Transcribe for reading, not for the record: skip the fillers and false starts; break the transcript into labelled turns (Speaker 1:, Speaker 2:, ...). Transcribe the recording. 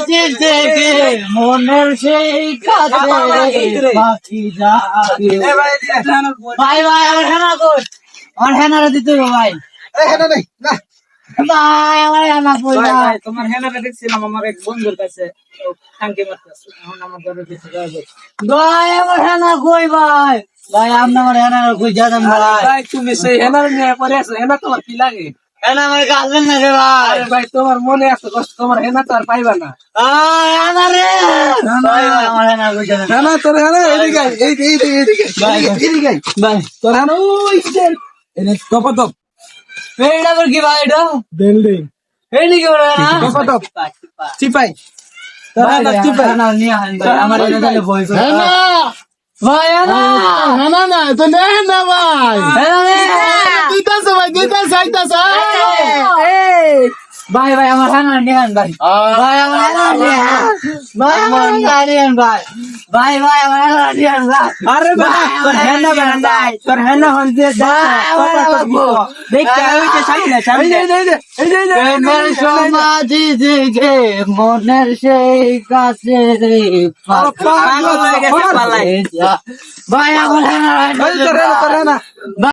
Speaker 1: মাঝে থেকে মনের সেই কাছে পাখি যাবে। ভাই ভাই আমার হেনা কই, আমার হেনারে দিতে হবে ভাই। ভাই আমার হেনা কই ভাই।
Speaker 2: তোমার হেনাটা দেখছিলাম আমার এক বন্ধুর কাছে টাঙ্কি মারতেছে, এখন আমার ঘরে দিতে যাবে।
Speaker 1: ভাই আমার হেনা কই ভাই। ভাই আপনি আমার হেনা কই জানেন ভাই।
Speaker 2: ভাই তুমি সেই হেনার নিয়ে পরে আছো, হেনা তোমার কি লাগে?
Speaker 1: হেনা আমার কাছেন না রে ভাই।
Speaker 2: আরে ভাই তোমার মনে আছে কষ্ট, তোমার হেনা তো আর পাইবা না।
Speaker 1: হেনা রে ভাই ভাই আমার হেনা কই জানেন।
Speaker 2: হেনা তোর হেনা এদিকে আয়, এইদিকে
Speaker 1: ভাই
Speaker 2: এদিকে আয়।
Speaker 1: ভাই
Speaker 2: তোর হেনা ওই যে এনে টপ
Speaker 1: এইটা আবার কি ভাই এটা?
Speaker 2: বিল্ডিং
Speaker 1: এই নাকি বড় হেনা?
Speaker 2: টপ চিপাই তোর
Speaker 1: ভাই
Speaker 2: হেনা
Speaker 1: ভাই
Speaker 2: চিপাই।
Speaker 1: হেনা নিয়ে আহেন ভাই, আমার হেনা দিলে ভয় করে। ভাই হেনা
Speaker 3: না তো নেন না ভাই
Speaker 1: হেনা রে।
Speaker 3: দিতাছে ভাই দিতাছে আইতাছে
Speaker 1: ভাই ভাই আমার হেনা নিয়ে আহেন ভাই। ভাই আমার হেনা নিয়ে আহেন। ভাই আমার হেনা নিয়ে আহেন ভাই। ভাই ভাই আমার হেনা নিয়ে আহেন ভাই।
Speaker 2: আরে ভাই তোর হেনা ভাই, তোর হেনা হন দিয়ে
Speaker 1: ভাই আমার হেনা লাগবো।
Speaker 2: দেখতে ওই যে সামনে সামনে
Speaker 1: প্রেমের সমাধি থেকে মনের সেই কাছে রে
Speaker 2: পাগল হয়ে গেছে পালাই।
Speaker 1: ভাই আমার হেনা
Speaker 2: তোর হেনা